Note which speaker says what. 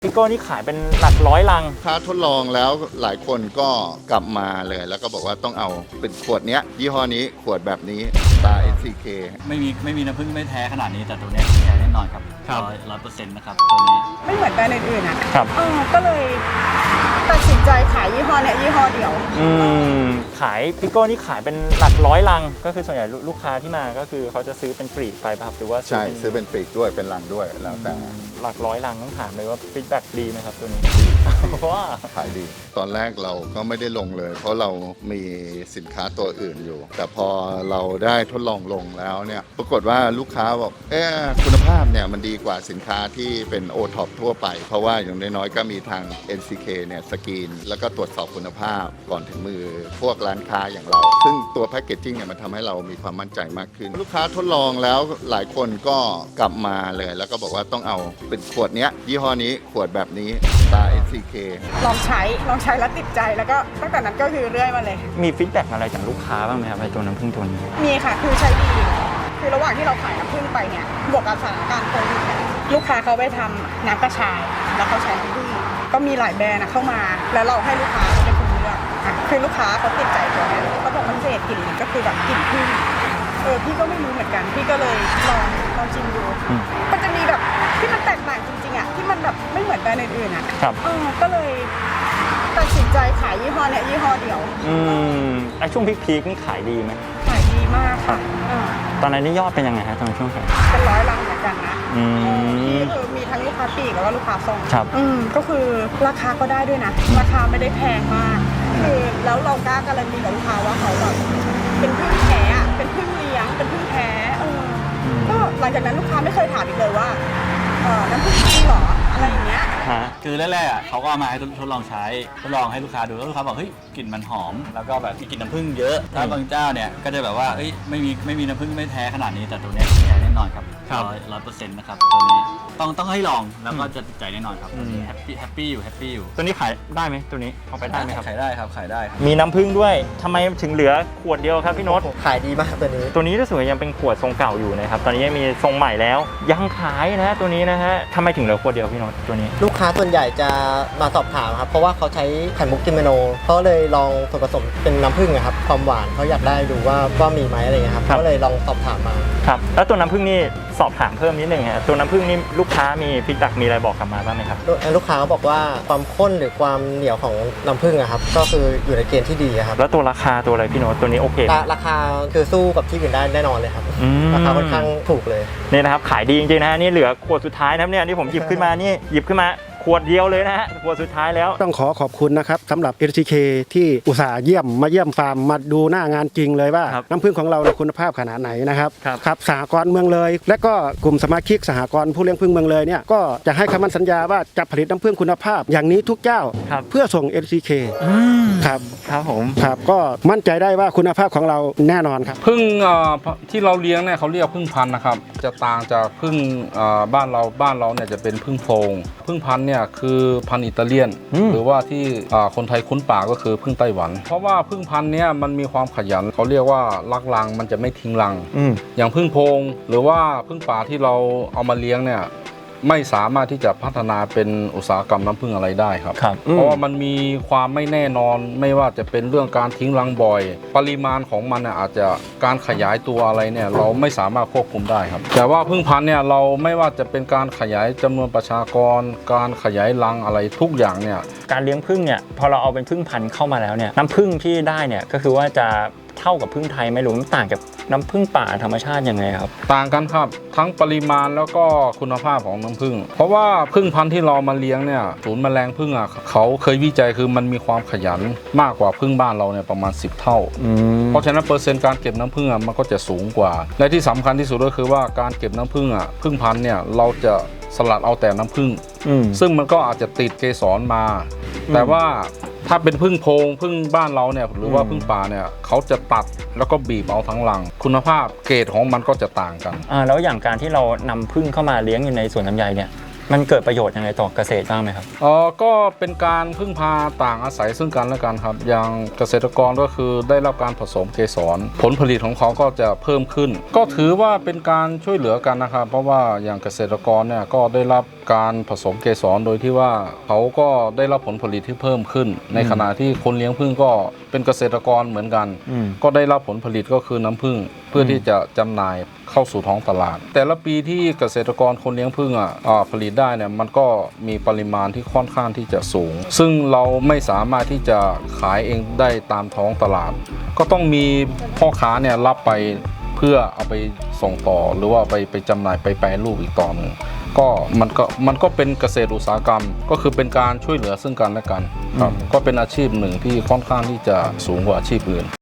Speaker 1: พี่โก้นี่ขายเป็นหลักร้อยลัง
Speaker 2: ถ้าทดลองแล้วหลายคนก็กลับมาเลยแล้วก็บอกว่าต้องเอาเป็นขวดเนี้ยยี่ห้อนี้ขวดแบบนี้ตา NCK
Speaker 3: ไม่มีน้ำผึ้งไม่แท้ขนาดนี้แต่ตัวเนี้ยแท้แน่นอนครับ100%นะครับตัวนี้
Speaker 4: ไม่เหมือนแบรนด์อื่นๆอ่ะ
Speaker 1: ครับ
Speaker 4: ก็เลยตัดสินใจขายยี่ห้อเนี้ยยี่ห้อเดียว
Speaker 1: ขายพี่โก้นี่ขายเป็นหลักร้อยลังก็คือส่วนใหญ่ลูกค้าที่มาก็คือเขาจะซื้อเป็นปลีกไปป่ะครับหรือว่า
Speaker 2: ใช่ซื้อเป็นปลีกด้วยเป็นลังด้วยแล้วแต่
Speaker 1: หลักร้อยลังต้องถามเลยว่าฟีดแบ็กดีไหมครับตัวนี้เพราะว่า
Speaker 2: ขายดีตอนแรกเราก็ไม่ได้ลงเลยเพราะเรามีสินค้าตัวอื่นอยู่แต่พอเราได้ทดลองลงแล้วเนี่ยปรากฏว่าลูกค้าบอกคุณภาพเนี่ยมันดีกว่าสินค้าที่เป็นโอท็อปทั่วไปเพราะว่าอย่างน้อยๆก็มีทาง NCK เนี่ยสกรีนแล้วก็ตรวจสอบคุณภาพก่อนถึงมือพวกร้านค้าอย่างเราซึ่งตัวแพคเกจจิ้งเนี่ยมันทำให้เรามีความมั่นใจมากขึ้นลูกค้าทดลองแล้วหลายคนก็กลับมาเลยแล้วก็บอกว่าต้องเอาเป็นขวดเนี้ยยี่ห้อนี้ขวดแบบนี้ตา NCK
Speaker 4: ลองใช้แล้วติดใจแล้วก็ตั้งแต่นั้นก็คือเรื่อยมาเลย
Speaker 1: มีฟีดแบ็กอะไรจากลูกค้าบ้างไหมครับไอ้ตัวน้ำผึ้งตัวนี้
Speaker 4: มีค่ะคือใช้ดีคือระหว่างที่เราขายน้ำผึ้งไปเนี่ยบวกกับสถานการณ์โควิดลูกค้าเขาไปทำน้ำกระชายแล้วเขาใช้น้ำผึ้งก็มีหลายแบรนด์เข้ามาแล้วเราให้ลูกค้าเป็นคนเลือกคือลูกค้าเขาติดใจตัวนี้เขาบอกมันเศษกลิ่นก็คือแบบกลิ่นผึ้งพี่ก็ไม่รู้เหมือนกันพี่ก็เลยลองชิมดูมันจะมีแบบที่มันแตกต่างจริงๆอ่ะที่มันแบบไม่เหมือนแบรนด์อื่นๆอ่ะก็เลยตัดสินใจขายยี่ห้อเนี้ยยี่ห้อเดียว
Speaker 1: ไอช่วงพีคนี่ขายดีไหม
Speaker 4: ขายดีมากค่ะ
Speaker 1: ตอนนั้นนี่ยอดเป็นยังไงฮะตอนช่วงขาย
Speaker 4: เป็น100 ลังเหมือนกันนะที่มีทั้งลูกค้าปลีกแล้วก็ลูกค้าส่งก็คือราคาก็ได้ด้วยนะราคาไม่ได้แพงมากคือแล้วเรากล้าการันตีกับลูกค้าว่าเขาแบบเป็นพึ่งแท้เป็นพึ่งเลี้ยงเป็นพึ่งแท้ก็หลังจากนั้นลูกค้าไม่เคยถามอีกเลยว่าน้ำผึ้งจริงเหรออะไรอย่างเงี้ย
Speaker 3: คือแรกๆเขาก็เอามาให้ทดลองใช้ทดลองให้ลูกค้าดูแล้วลูกค้าบอกเฮ้ยกลิ่นมันหอมแล้วก็แบบมีกลิ่นน้ำผึ้งเยอะถ้าบางเจ้าเนี่ยก็จะแบบว่าเฮ้ยไม่มีน้ำผึ้งไม่แท้ขนาดนี้แต่ตัวเนี้ยแท้แน่นอนครับ100%นะครับตัวนี้ต้องให้ลองแล้วก็จะติดใจแน่นอนครับแฮปปี้อยู่
Speaker 1: ตัวนี้ขายได้ไหมตัวนี้เอาไปได้ไหมครับ
Speaker 3: ขายได้ครับ
Speaker 1: มีน้ำผึ้งด้วยทำไมถึงเหลือขวดเดียวครับพี่โน้ต
Speaker 5: ขายดีมากตัวนี้
Speaker 1: รู้สึกว่ายังเป็นขวดทรงเก่าอยู่นะครับตอนนี้ยังมีทรงใหม่แล้วยังขายนะตัวนี้นะฮะทำไมถึงเหลือขวดเดียวพี่โน้ตตัวนี้
Speaker 5: ลูกค้าส่วนใหญ่จะมาสอบถามครับเพราะว่าเขาใช้ไข่มุกกิมเมโนเขาเลยลองส่วนผสมเป็นน้ำผึ้งครับความหวานเขาอยากได้ดูว่ามีไหมอะไรเงี้ยครับก็เลยลองสอบถามมา
Speaker 1: ครับแล้วตัวน้ำผึ้งนี่สอบถามเพิ่มนิดนึงฮะตัวน้ำผึ้งนี่ลูกค้ามีฟีดแบ็กมีอะไรบอกกลับมาบ้างไหมครับ
Speaker 5: ลูกค้าเขาบอกว่าความข้นหรือความเหนียวของน้ำผึ้งครับก็คืออยู่ในเกณฑ์ที่ดีครับ
Speaker 1: แล้วตัวราคาตัวอะไรพี่โน้ตตัวนี้โอเค
Speaker 5: ราคาคือสู้กับที่อื่นได้แน่นอนเลยครับราคาค่อนข้างถูกเลย
Speaker 1: นี่นะครับขายดีจริงๆนะฮะนี่เหลือขวดสุดท้ายนะครับเนี่ยที่ผมหยิบขึ้นมาขวดเดียวเลยนะฮะขวดสุดท้ายแล้ว
Speaker 6: ต้องขอบคุณนะครับสำหรับ NCK ที่อุตส่าห์เยี่ยมฟาร์มมาดูหน้างานจริงเลยว่าน้ำผึ้งของเราคุณภาพขนาดไหนนะครับครับสหกรณ์เมืองเลยและก็กลุ่มสมาชิกสหกรณ์ผู้เลี้ยงผึ้งเมืองเลยเนี่ยก็จะให้คำมั่นสัญญาว่าจะผลิตน้ำผึ้งคุณภาพอย่างนี้ทุกเจ้าเพื่อส่ง NCK
Speaker 1: ครับผม
Speaker 6: ครับก็มั่นใจได้ว่าคุณภาพของเราแน่นอนครับ
Speaker 7: ผึ้งที่เราเลี้ยงเนี่ยเขาเรียกผึ้งพันธุ์นะครับจะต่างจากผึ้งบ้านเราเนี่ยจะเป็นผึ้งโพรงผึ้งพันธุ์เนี่ยคือพันธุ์อิตาเลียนหรือว่าที่คนไทยคุ้นปากก็คือผึ้งไต้หวันเพราะว่าผึ้งพันธุ์เนี่ยมันมีความขยันเขาเรียกว่ารักรังมันจะไม่ทิ้งรังอย่างผึ้งโพรงหรือว่าผึ้งป่าที่เราเอามาเลี้ยงเนี่ยไม่สามารถที่จะพัฒนาเป็นอุตสาหกรรมน้ำผึ้งอะไรได้ครับเพราะว่ามันมีความไม่แน่นอนไม่ว่าจะเป็นเรื่องการทิ้งรังบ่อยปริมาณของมันอาจจะการขยายตัวอะไรเนี่ยเราไม่สามารถควบคุมได้ครับแต่ว่าผึ้งพันธุ์เนี่ยเราไม่ว่าจะเป็นการขยายจำนวนประชากรการขยายรังอะไรทุกอย่างเนี่ย
Speaker 1: การเลี้ยงผึ้งเนี่ยพอเราเอาเป็นผึ้งพันธุ์เข้ามาแล้วเนี่ยน้ำผึ้งที่ได้เนี่ยก็คือว่าจะเท่ากับผึ้งไทยไหมหรือต่างกับน้ำผึ้งป่าธรรมชาติยังไงครับ
Speaker 7: ต่างกันครับทั้งปริมาณแล้วก็คุณภาพของน้ำผึ้งเพราะว่าผึ้งพันธุ์ที่เรามาเลี้ยงเนี่ยศูนย์แมลงผึ้งเขาเคยวิจัยคือมันมีความขยันมากกว่าผึ้งบ้านเราเนี่ยประมาณ10 เท่าเพราะฉะนั้นเปอร์เซ็นต์การเก็บน้ำผึ้งมันก็จะสูงกว่าและที่สำคัญที่สุดก็คือว่าการเก็บน้ำผึ้งผึ้งพันธุ์เนี่ยเราจะสลัดเอาแต่น้ำผึ้งซึ่งมันก็อาจจะติดเกสรมาแต่ว่าถ้าเป็นผึ้งโพรงผึ้งบ้านเราเนี่ยหรือว่าผึ้งป่าเนี่ยเขาจะตัดแล้วก็บีบเอาทั้งรังคุณภาพเกรดของมันก็จะต่างกัน
Speaker 1: แล้วอย่างการที่เรานำผึ้งเข้ามาเลี้ยงอยู่ในสวนลำไยเนี่ยมันเกิดประโยชน์ยังไงต่อเกษตรบ้างไหมครับ
Speaker 7: ก็เป็นการพึ่งพาต่างอาศัยซึ่งกันและกันครับอย่างเกษตรกรก็คือได้รับการผสมเกสรผลผลิตของเขาก็จะเพิ่มขึ้น ก็ถือว่าเป็นการช่วยเหลือกันนะครับเพราะว่าอย่างเกษตรกรเนี่ยก็ได้รับการผสมเกสรโดยที่ว่าเขาก็ได้รับผลผลิตที่เพิ่มขึ้น ในขณะที่คนเลี้ยงผึ้งก็เป็นเกษตรกรเหมือนกัน ก็ได้รับผลผลิตก็คือน้ำผึ้งเพื่อที่จะจำหน่ายเข้าสู่ท้องตลาด แต่ละปีที่เกษตรกรคนเลี้ยงผึ้งผลิตได้เนี่ยมันก็มีปริมาณที่ค่อนข้างที่จะสูง ซึ่งเราไม่สามารถที่จะขายเองได้ตามท้องตลาด ก็ต้องมีพ่อค้าเนี่ยรับไปเพื่อเอาไปส่งต่อหรือว่าไปจำหน่ายไปแปรรูปอีกต่อหนึ่งก็มันก็เป็นเกษตรอุตสาหกรรมก็คือเป็นการช่วยเหลือซึ่งกันและกันครับก็เป็นอาชีพหนึ่งที่ค่อนข้างที่จะสูงกว่าอาชีพอื่น